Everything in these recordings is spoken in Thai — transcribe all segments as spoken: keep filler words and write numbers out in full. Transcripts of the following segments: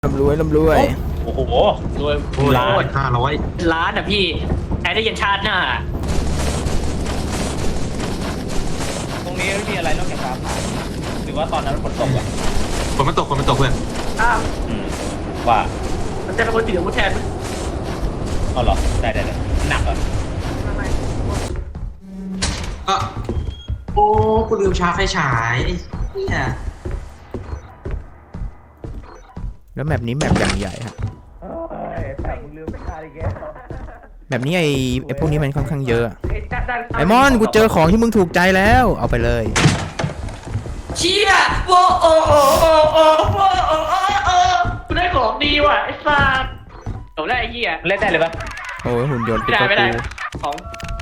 ลำรวยลำรวยโอ้โหรวยโอ้ยล้านห้าร้อยล้านอ่ะพี่ใช้ได้ยันชาติหน้าตรงนี้ไม่มีอะไรนอกจากฟ้าผ่าหรือว่าตอนนั้นฝนตกอ่ะฝนมันตกฝนมันตกเพื่อนอ้าวอืมว่ามันจะเป็นคนถือผู้แทนไหมเอาเหรอได้ได้ได้หนักอ่ะก็โอ้กูลืมชาร์จไฟฉายเนี่ยแล้วแมปนี้แมปอย่างใหญ่ฮะแต่มึงลืมไปคาดิแกแมปนี้ไอไอพวกนี้มันค่อนข้างเยอะไอ้ด้านด้านไอมอนกูเจอของที่มึงถูกใจแล้วเอาไปเลยเชี่ยโอ้โอ้โอ้โอ้โอ้โอ้โอ้โอ้โอ้กูได้ของดีว่ะไอ้สัสผมได้ไอ้เหี้ยเล่นได้เลยปะโอ้ยหุ่นยนต์ไม่ได้ไม่ได้กูของ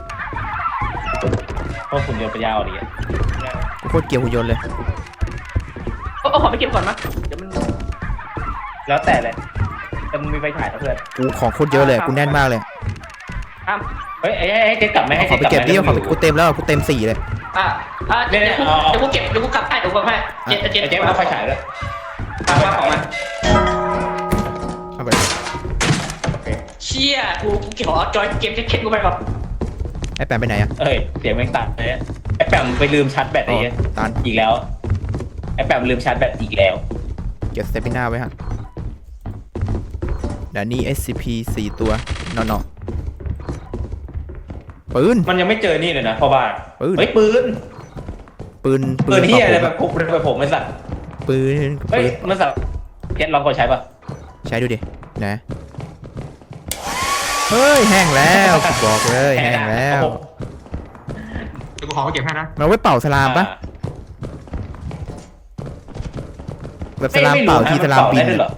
เพราะฝุ่นเดียวไปยาวดีอ่ะกูโคตรเกลียวหุ่นยนต์เลยเอาเอาของไปเก็บก่อนมั้ยเดี๋ยวมันแล้วแต่เลยแต่มึงมีไฟฉายนะเพื่อนกูของโคตรเยอะเลยกูแน่นมากเลยอ้ามเฮ้ยไอ้ไอ้เจ๊กลับไหมเอาให้ขอเจ๊ไปกลับเก็บไหมดิเอาขอไปกูเต็มแล้วกูเต็มสี่เลยอ่ะอ่ะเดี๋ยวกูเดี๋ยวกูเก็บเดี๋ยวกูกลับให้เดี๋ยวกูกลับให้เจ็ดเจ็ดไอ้เจ๊เอาไฟฉายด้วยเอามาของมาเอาไปเลยโอเคเชี่ยกูกูเก็บของจอยเกมเช็คกูไปก่อนไอแปมไปไหนอะเอ้ยเสียงแม่งตัดเลยไอ้แปมไปลืมชาร์จแบตอ๋ไอ้อเงี้ยตันอีกแล้วไอ้แปมลืมชาร์จแบตอีกแล้วเก็บสเตปิน่าไว้ฮะเดี๋ยวนี้ เอส ซี พี สี่ตัวนอนๆปืนมันยังไม่เจอนี่เลยนะพ่อบ้านปืนเฮ้ยปืนปืนปืนเฮียอะไรแบบพกไปผมไอ้สัตว์ปืนเฮ้ปืยนมันสัตว์เพชรลองกดใช้ป่ะใช้ดูดินะเฮ้ยแห้งแล้วกูบอกเลยแห้งแล้วเดี๋ยวกูขอไปเก็บให้นะมันเอาไว้เป่าสลามปะแบบสลามเป่าทีสลามบินได้ด้วยเหรอ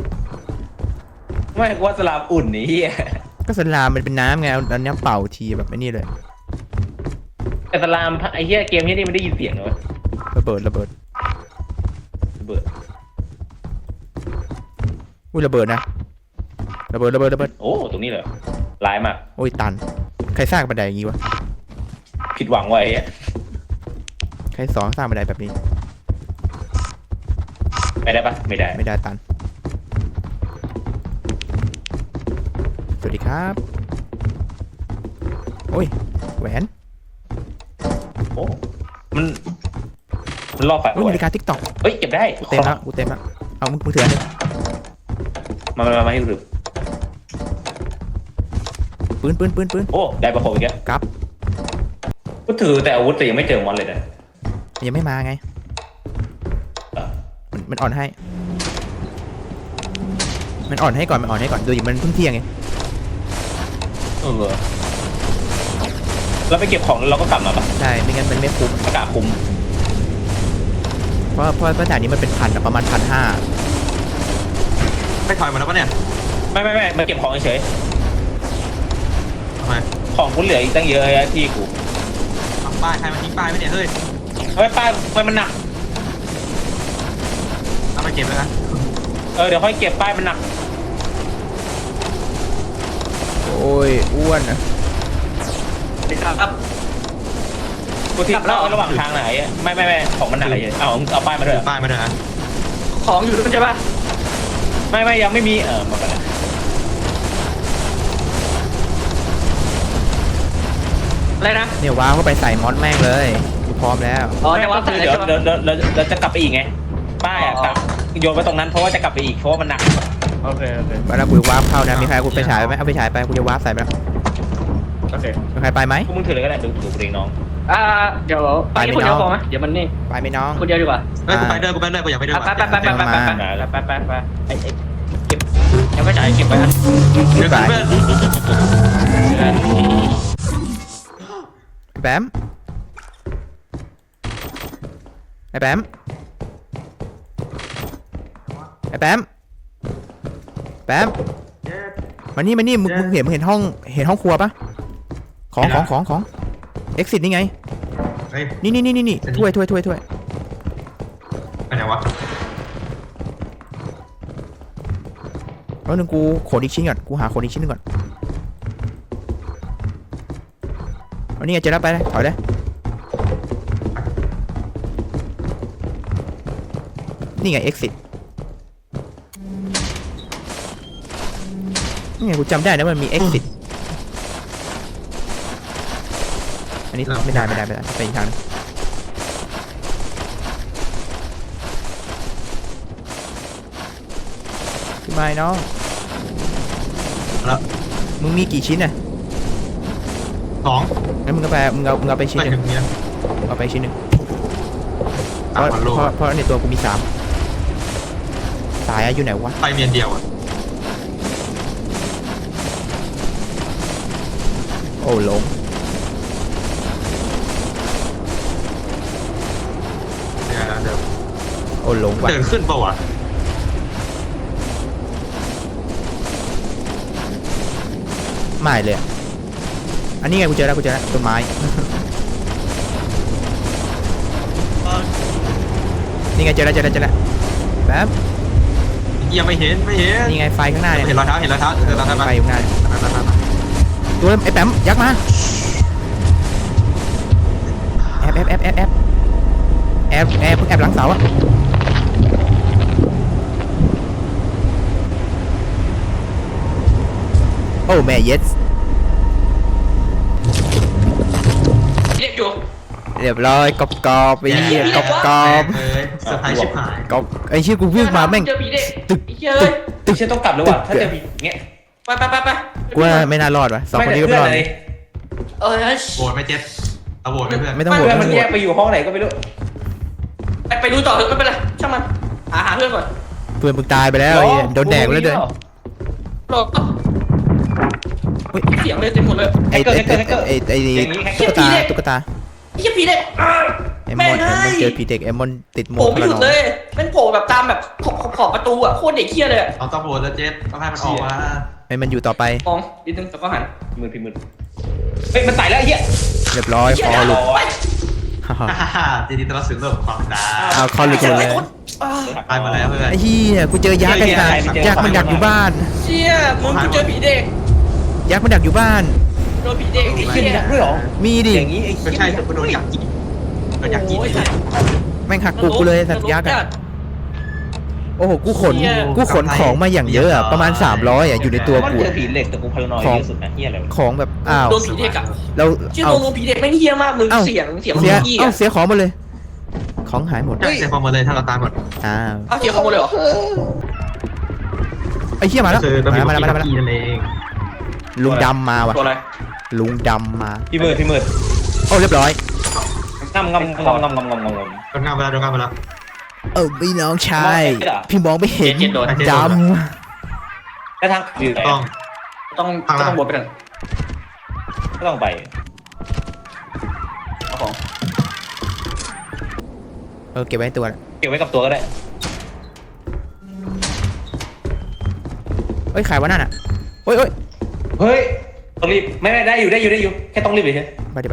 ไม่ว่าสลามอุ่นนี่เฮียก็สลามมันเป็นน้ำไงเอาอันนี้เป่าทีแบบไอ้นี่เลยแต่สลามไอ้เฮียเกมนี้นี่มันได้ยินเสียงเลยระเบิดระเบิดเบิดอุ้ยระเบิดนะระเบิดระเบิดระเบิดโอ้ตรงนี้เลยร้ายมากโอ้ยตันใครสร้างบันไดอย่างงี้วะผิดหวังไว้เฮียใครสอนสร้างบันไดแบบนี้ไม่ได้ปะไม่ได้ไม่ได้ตันสวัสดีครับโอ้ยแหวนโอ้มันมันล่อไฟอุ้ยไว้นาฬิกาทิกตอกเฮ้ยเก็บได้กูเต็มแล้วกูเต็มแล้วเอามึงมือถืออันนี้มามามาให้ดูปืนปืนปืนปืนโอ้ได้ประโคมอีกแล้วกลับก็ถือแต่อาวุธแต่ยังไม่เจอมอนเลยนะมันยังไม่มาไงเออมันมันอ่อนให้ มันอ่อนให้ก่อนมันอ่อนให้ก่อนดูดิมันเพิ่งเที่ยงไงเออเราไปเก็บของแล้วเราก็กลับมาปะใช่ไม่งั้นมันไม่คุ้มอากาศคุ้มเพราะเพราะเพราะด่านนี้มันเป็นพันอะประมาณพันห้าไม่ถอยมาแล้วปะเนี่ยไม่ไม่ไม่มาเก็บของเฉยทำไมๆของกูเหลืออีกตั้งเยอะเลยที่กูทำป้ายใครมาทิ้งป้ายไหมเนี่ยเฮ้ยทำไมป้ายทำไมมันหนักเอาไปเก็บเลยนะเออเดี๋ยวค่อยเก็บป้ายมันหนักโอ้ยอ้วนอะเดี๋ยวครับกูทิ้งเล่าระหว่างทางไหนไม่ไม่ไม่ของมันหนักเลยเอาเอาป้ายมาด้วยป้ายมาด้วยนะของอยู่ด้วยใช่ปะไม่ไม่ยังไม่มีเออมาไปแล้วอะไรนะเนี่ยว้าวเข้าไปใส่มอสแม่งเลยกูพร้อมแล้วอ๋อแต่ว่าคือเดี๋ยวเดี๋ยวเดี๋ยวเดี๋ยวเดี๋ยวจะกลับไปอีกไงป้ายอ่ะกลับโยนไปตรงนั้นเพราะว่าจะกลับไปอีกเพราะว่ามันหนักโอเคโอเคเวลากูวาร์ปเข้านะมีใครกูไปฉายไหมเอาไปฉายไปกูจะวาร์ปใส่ไปแล้วโอเคมีใครไปไหมพวกมึงถือเลยก็ได้ดูดูเองน้องอ่าเดี๋ยวไปแค่คนเดียวพอไหมเดี๋ยวมันนี่ไปไหมน้องคนเดียวดีกว่าเฮ้ยกูไปด้วยกูไปด้วยกูอยากไปด้วยไปว่ะไปไปไปไปไปไปไปไปไปไอ้ไอ้เก็บยังไม่จ่ายเก็บไว้นะเดี๋ยวกันเพื่อนแบมไอ้แบมไอ้แบมแบมมานี่มานี่มึงมึงเห็นมึงเห็นห้องเห็นห้องครัวปะของของของของ exit นี่ไงเฮ้ยนี่นี่นี่นี่นี่ถ้วยถ้วยถ้วยถ้วยไปไหนวะแล้วนึงกูขนอีกชิ้นก่อนกูหาขนอีกชิ้นนึงก่อนเอานี่ไงเจอแล้วไปเลยถอยเลยนี่ไง exit นี่ไงกูจำได้นะมันมี exit อันนี้ไม่ได้ไม่ได้ไม่ได้ไปอีกทางนึงพี่ไม้น้องแล้วมึงมีกี่ชิ้นน่ะสองงั้นมึงก็ไปมึงเอามึงเอาไปชิ้นไปหนึ่ถึงงนี้เอาไปชิ้นหนึ่งเพตามราะวันโลเพราะเพราะในตัวกูมีสามสายอะอยู่ไหนวะไปเมียนเดียวอ่ะโอ้หลงเดี๋ยวเดี๋ยวโอ้หลงว่ะเดินขึ้นเปล่าวะไม่เลยอะอันนี้ไงกูเจอแล้วกูเจอแล้วต้นไม้ นี่ไงเจอแล้วเจอแล้วเจอแล้วแป๊บยังไม่เห็นไม่เห็นนี่ไงไฟข้างหน้าเนี่ยเห็นรอยเท้าเห็นรอยเท้าเห็นรอยเท้าไฟไหมอยู่ข้างหน้าเนี่ยมามามามาตัวไอ้แป๊มยักษ์มาแอบแอบแอบแอบแอบแอบแอบแอบหลังเสาอะโอ้แม่เย็ดเรียกอยู่เรียบร้อยกรอบกรอบไปเหี้ยกรอบกรอบเลยเซอร์ไพรส์ชิบหายกรอบไอ้เชี่ยกูวิ่งมาแม่งเจอผีเด็กตึกไอ้เหี้ยเอ้ยไม่ใช่ต้องกลับแล้วว่ะถ้าเจอผีเงี้ยไปไปไปไปกูว่าไม่น่ารอดวะสองคนนี้ก็ไม่รอดเลยเออโหวตไม่เจ็ดเอาโหวตไม่เพื่อนไม่ต้องโหวตเพื่อนไม่มันต้องโหแยวตกไปอยู่ห้องไหนก็ไม่รู้ไปไปดูต่อเถอะไม่เป็นไรช่างมันหาหาเพื่อนก่อนเพื่อนมึงตายไปแล้วไอ้เหี้ยโดนแดกไปแล้วเด้อรอเฮ้ยเสียงเลยเต็มหมดเลยไอ้ไอ้ไอ้ไอ้ไอ้ตุ๊กตาตุ๊กตาไอ้เหี้ยผีเด็กอ้าวไอ้มแม่อนงไอ้มอนเอ้ยเจอผีเด็กไอ้มอนติดหมโผล่วกไม่พหลัยุงดเลยเป็นโผล่แบบตามแบบขอบขอบขอบประตูอ่ะโคตรเด็กเหี้ยเลยอะเอาต้องโหวตแล้วเจ็ดต้องให้มันออกมาไอ้มันอยู่ต่อไปมองนิดนึงแล้วก็หันมือพี่มือเฮ้ยมันไต่แล้วไอ้เหี้ยเรียบร้อยเหี้คยอหลุดไปฮ่าฮ่าฮ่าฮ่าจีดีต้อนรับสู่โลกของความดาเอาคอหลุดหมดเลยอ้าวไปมาแล้วเพื่อนไอ้เหี้ยกูเจอยักษ์ไอ้สัสยักษ์มันดักอยู่บ้านเชี่ยมึงกูเจอผีเด็กยักษ์มันดักอยู่บ้านโดนผีเด็กไอ้เหี้เหี้ยยด้วยเหรอมีดิอย่างนี้ไอ้ไม่เหี้ยใช่แต่กูโดนยักษ์กินโดนยักษ์กินโอ้ยแม่งหักกูกูเลยสัตว์ยักษ์อะโอ้โหกูขนเหี้ยกูขนของมาอย่างเยอะอะประมาณสามร้อยอะอยู่ในตัวมันกูเจออะผีเหล็กแต่กูพารานอยเยอะสุดนะเหี้ยอะไรวะของแบบอ้าวโดนผีเด็กอะเราเชี่ยเอาโดนผีเด็กแม่งเหี้ยมากมึงเอ้าเสียงเสียงเสียกี้เอ้าอะเสียของหมดเลย ของหายหมดใช่เสียความหมดเลยถ้าเราตายหมดอ้าวเอาเสียงเขาหมดเลยเหรอไอ้เหี้ยมาแล้วคือต้องมีมาคนแล้วมาแล้วมาแล้วกินนั่นเองลุงดำมาว่ะตัวอะไรลุงดำมาพี่มือพี่มือโอ้เรียบร้อยงำงำงำงำงำงำงำงำโดนงานไปแล้วโดนงานไปแล้วเออพี่น้องชายมองไม่เห็นเหรอพี่มองไม่เห็นเจ็ดโดนดแล้วทางอยู่ไหนต้องต้องข้างล่างต้องบวชไปหนึ่งก็ต้องไปเอาของำเออเก็บไว้ในตัวเก็บไว้กับตัวก็ได้เอ้ยขายวะนั่นอ่ะโอ้ยโอ้ยเฮ้ยต้องรีบไม่ไม่ได้อยู่ได้อยู่ได้อยู่แค่ต้องรีบเฉยไปดิไป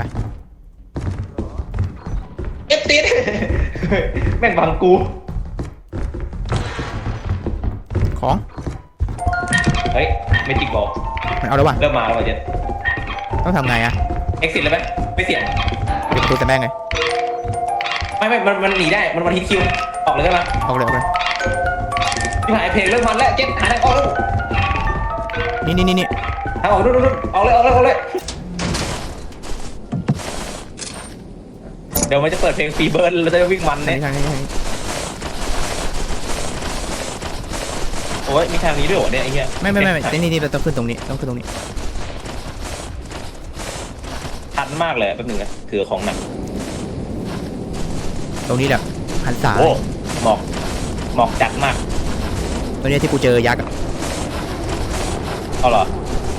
เอฟติดแม่งบังกูของเฮ้ยไม่จริงบอกมันเอาแล้วว่ะเริ่มมาแล้วว่ะเจนต้องทำไงอะเอ็กซิสเลยไหมไม่เสี่ยงปิดประตูแต่แม่งไงไม่ไม่มันมันหนีได้มันมันฮิตคิวออกเลยได้ไหมออกเลยออกเลยพี่หายเพลงเริ่มมันแล้วเจนหาทางออกแล้วนี่นี่นี่นี่ทางออกนู่นนู่นออกเลยออกเลยออกเลยเดี๋ยวมันจะเปิดเพลงฟรีเบิร์ดเราจะวิ่งมันทางเนี่ยนี้ทางนี้ทางนี้โอ้ยมีทางนี้ด้วยเหรอเนี่ยไอ้เหี้ยไม่ไม่ไม่ไม่นี่นี่เราต้องขึ้นตรงนี้ต้องขึ้นตรงนี้ทันมากเลยแป๊บนึงนะถือของหนักตรงนี้แหละหันษาโอ้หมอกหมอกจัดมากตรงนี้ที่กูเจอยักษ์อะเอาเหรอ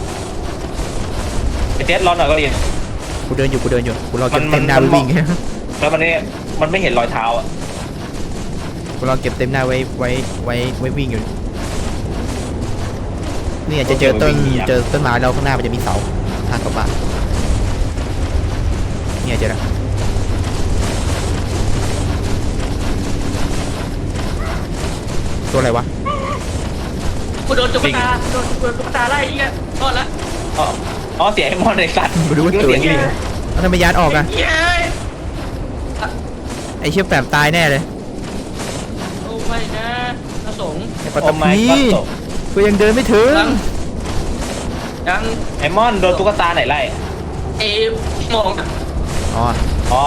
ไปเทสร้อนหน่อยก็ดีกูเดินอยู่กูเดินอยู่กูรอเก็บมันเต็มหน้ามันไว้วิ่งแล้วมันเนี่ยมันไม่เห็นรอยเท้าอ่ะกูรอเก็บเต็มหน้าไว้ไว้ไว้ไว้วิ่งอยู่เนี่ยจะเจอต้นเจอต้นไม้เราข้างหน้ามันจะมีเสาทางกลับบ้านเนี่ยเจอแล้วตัวอะไรวะกูโดนตุ๊กตาโดนโดนตุ๊กตาไล่ไอ้เหี้ยรอดละอ๋ออ๋อเสียไอ้มอนในสัตว์ไม่รู้ว่าตัวเสียงอะไรลิงแล้วทำไมยานออกอะเหี้ยไอเชี่ยแปมตายแน่เลยโอ้ไม่นะพระสงฆ์ไอปัตโอ้ตไม่พีก็ตกกูยังเดินไม่ถึงลังยังไอมอนโดนตุ๊กตาไหนไล่เอมองอ่ะอ๋ออ๋อ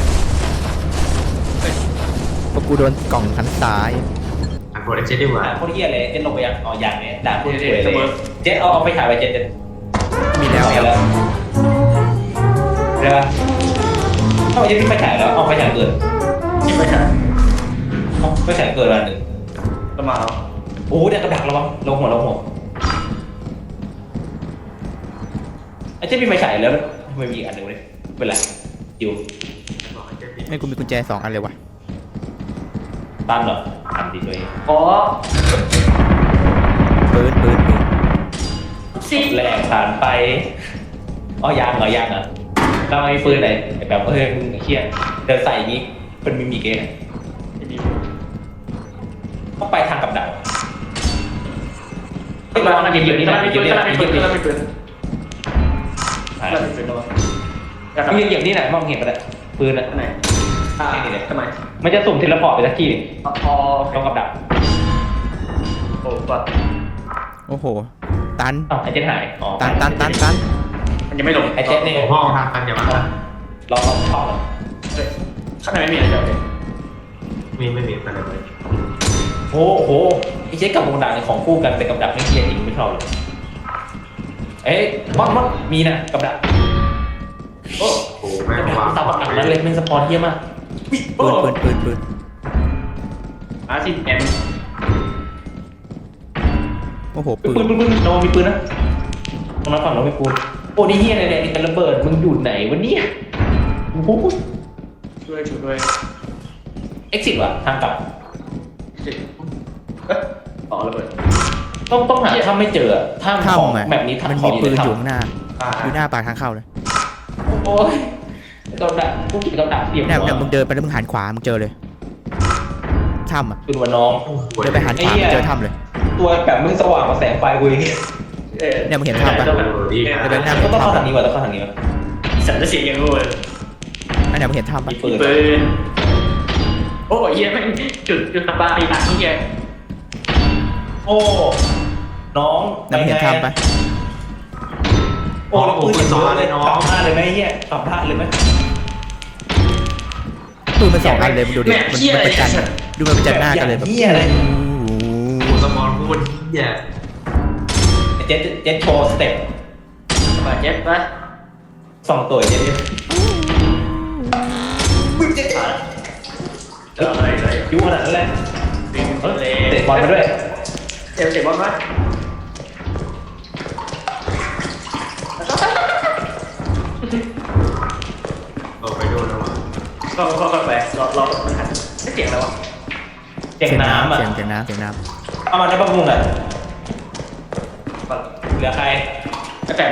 พวกกูโดนกล่องทันซ้ายอ่านโปรเจกต์ดีกว่าด่าโคตรเฮียเลยเจ็ดลงไปยังอ๋อยังเนี่ยด่าโคตรสวยเลยเจ็ดเอาเอาไปถ่ายไปเจ็ดเจ็ดมีแล้วเอาแล้วเดี๋ยวเอาเจ็ดพี่ไปถ่ายแล้วเอาไปถ่ายเกินยังไม่ใช่เอาไปถ่ายเกินวันหนึ่งจะมาเอาโอ้โหเดี๋ยวกระดักระวังลงหัวลงหัวไอ้เจ็ดพี่ไปถ่ายแล้วทำไมมีอีกอันหนึ่งเลยเป็นไรอยู่ไม่กูมีกุญแจสองอันเลยวะตั้มเหรอทำดีด้วยอ๋อปืนปืนปืนสิแรกผ่านไปอ๋อยางเหรอยางเหรอเราไม่ปืนไหนแบบเฮ้ยมึงเครียดเดินใส่อย่างนี้เป็นมิมิกเองต้องไปทางกับดักไม่มาอะไรเกี่ยวนี่นะไม่เกี่ยวนี่นะไม่เกี่ยวนี่นะไม่เกี่ยวหายไม่เกี่ยวนะอยากปืนอย่างนี้ไหนมองเห็นปะเนี่ยปืนอ่ะไหนอ่าทำไมมันจะสุ่มเทเลพอร์ตไปสักที่อ๋อต้องกับดักโอ้ก็โอ้โหตันอ้าวไอเจ็ดหายอ๋อตันตันตันตันมันยังไม่ลงไอเจ็ดเนี่ยห้องทางกันอย่ามาลองลองเข้าเลยข้างในไม่มีอะไรเลยมีไม่มีอะไรเลยโอ้โหไอเจ็ดกับกับดักเนี่ยของคู่กันแต่กับดักไม่เทียนจริงไม่ชอบเลยเอ้ยมอนมอนมีนะกับดักโอ้โอ้แม่กับดักวางตามกับดักนั้นเลยเป็นสปอนเทียมากปืนปืนปืนปืนอาร์ซีเอ็มโอ้โหปืปืนนปืนปืนเรามีปืนนะตรงนั้นฝั่งเรามีปืนโอ้นี่เฮียอะไรเนี่ยนี่เป็นระเบิดมึงอยู่ไหนวะเนี่ยโอ้โหช่วยช่วยด้วยเอ็กซิสว่ะทางกลับสิเอ๊ะต่อระเบิดต้องต้องหาถ้าไม่เจอถ้าของถ้ำอ่ะแบบนี้ถ้ามันขอมีงปืนในอยู่ถ้ำข้างหน้าอ่าอยู่หน้าปากทางเข้าเลยโอ้ยกับดักกูกินกับดักเสียบเนี่ยหัวเนี่ยมึงเดินไปแล้วมึงหันขวามึงเจอเลยถ้ำอ่ะปืนวันน้องเดินไปหันขวามึงเจอถ้ำเลยตัวแบบมึงสว่างกว่าแสงไฟกูอีกเนี่ยมึงเห็นภาพปะดีเดินหน้าต้องเข้าทางนี้ว่ะต้องเข้าทางนี้ว่ะสันจะเสียงยังรู้เลยอันเนี้ยมึงเห็นถ้ำปะมีปืนปืนโอ้ยเยี่ยมจุดจุดตะบาอีกหนักนี่แกโอ้น้องเนี่ยมึงเห็นถ้ำปะโอ้แล้วปืนอย่างเยอะเลยน้องกลับบ้านเลยไหมเฮียกลับบ้านเลยไหมปืนมันสองอันเลยมึงดูดิมันมันประจันดูมันประจันหน้ากันเลยแบบเฮียอะไรโอ้สมองพูดเหี้ยเจ็ตเจ็ตโชว์สเต็ปมาเจ็บปะสองตัวเจ็ตเนี่ยมึงเจ็ตเอออะไรอะไรยูขนาดนั้นเลยดึงเออเลยเตะบอลมาด้วยเตะเตะบอลมาเออไปดูนะวะก็ก็ก็ไปรอรอมันหันไม่เสียงอะไรวะเจ็งน้ำอ่ะเสียงเสียงน้ำเสียงน้เอามาได้ปะมึงอ่ะเหลือใครกระแตม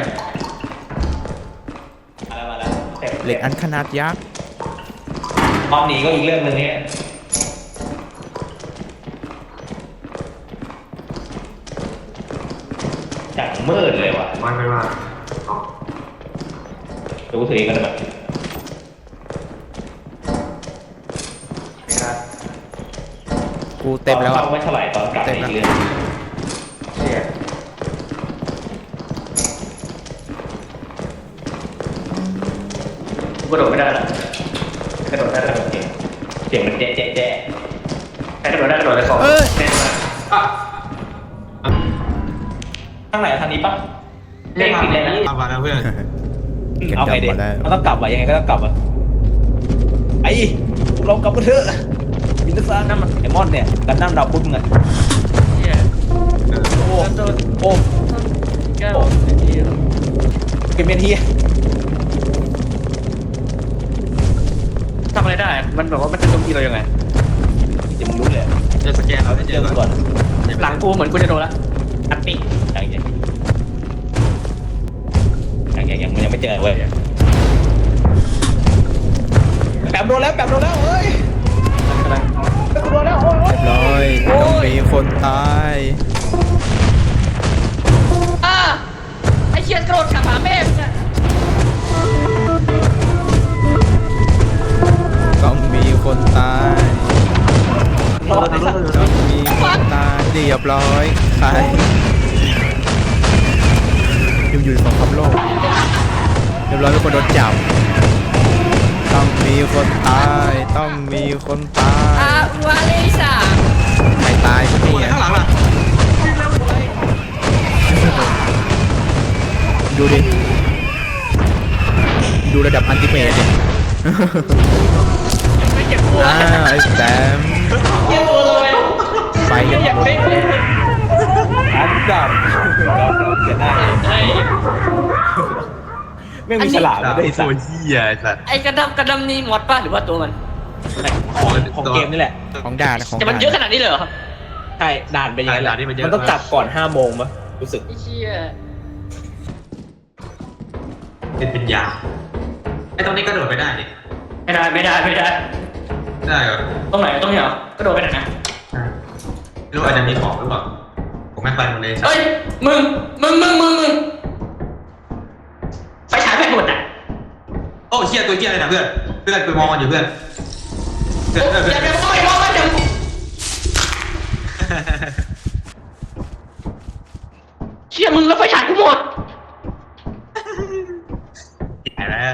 มาแล้วมาแล้วต็มำเหล็กอันขนาดยักษ์ตอนหนีก็อีกเรื่องหนึ่งเนี่ยจังมืดเลยว่ะมันเป็นว่าอ๋อเดี๋ยวกูถือเองก็ได้แบบครับกูเต็มแล้วอ่ะอาไม่เท่าไหร่ตอนกลับเต็มอีแล้วกเรื่องเสียกระโดดไม่ได้ละกระโดดได้แล้วเสียงเสียงมันแจ๊ะแจ๊ะแจ๊ะใครกระโดดได้กระโดดเลยขอแน่นมากอ่ะข้างไหนทางนี้ปะเลขผิดเลยนะเอามาแล้วเพื่อนเก็บเอาไงดำดีมาแล้วมันต้องกลับว่ะยังไงก็ต้องกลับว่ะไอ้พวกเรากลับกันเถอะมินซ่านั่นมันไอมอนเนี่ยกันนั่งดาวพุธมึงอะเฮียเออโอ้โอ้แก้วเกมเมนทีทำอะไรได้ มันแบบว่ามันจะโจมตีเรายังไงจะมึงรู้เลยจะสแกนเราได้เจเจออมึงก่ก่ออน นหลังกูเหมือนกูจะโดนละอัดติอย่างเงี้ยอย่างเงี้ยยังมันยังไม่เจอเว้ยแปมโดนแล้วแปมโดนแล้วเฮ้ยแปมโดนแล้วโอ้ยเรียบร้อยต้องมีคนตายอ่าไอเชียนกระโดดกลับหาแม่มึงอะต้องมีคนตายรอดไอ้สัตว์ต้องมีคนตายเรียบร้อยใครอยู่อยู่คนตาอาย วาเลซ่าใครตายสักทีโอ้ยอะข้างหลังล่ะดูดิ ดูระดับอันติเมตดิไม่เจ็บปวดอ่าไอ้แซมเจ็บตัวเลยไปกันอยากเล่นอันดับจะได้ไอ้ไม่มีฉลามไม่ได้สัโอ้ตยว์เหี้ยไอ้สัตว์ไอ้กระดำกระดำนี่มอดป่ะหรือว่าตัวมันของเกมนี่แหละของด่านะของแต่มันด่าเยอะขนาดนี้เลยเหรอใช่ด่านเป็นอย่างนั้นแหละด่านที่มันเยอะมันต้องจับก่อนห้าโมงมั้ยรู้สึกไอ้เชี่ยเป็นเป็นยาไอ้ตรงนี้กระโดดไปได้ดิไม่ได้ไม่ได้ไม่ได้ได้เหรอตรงไหนตรงนี้เหรอ กระโดดไปไหนนะไม่รู้อาจจะมีของหรือเปล่าผมไม่ไปหมดเลยสัตเฮ้ยว์มึง มึง มึง มึง มึงไฟฉายแบตหมดอ่ะโอ้เหี้ยตัวเหี้ยอะไรนะเพื่อนเพื่อนไปมองมันอยู่เพื่อนเพื่อนเพื่อนเพื่อย่าอนไปมองไปมองมันเดี๋ยวเชี่ยมึงแล้วไฟฉายกูหมด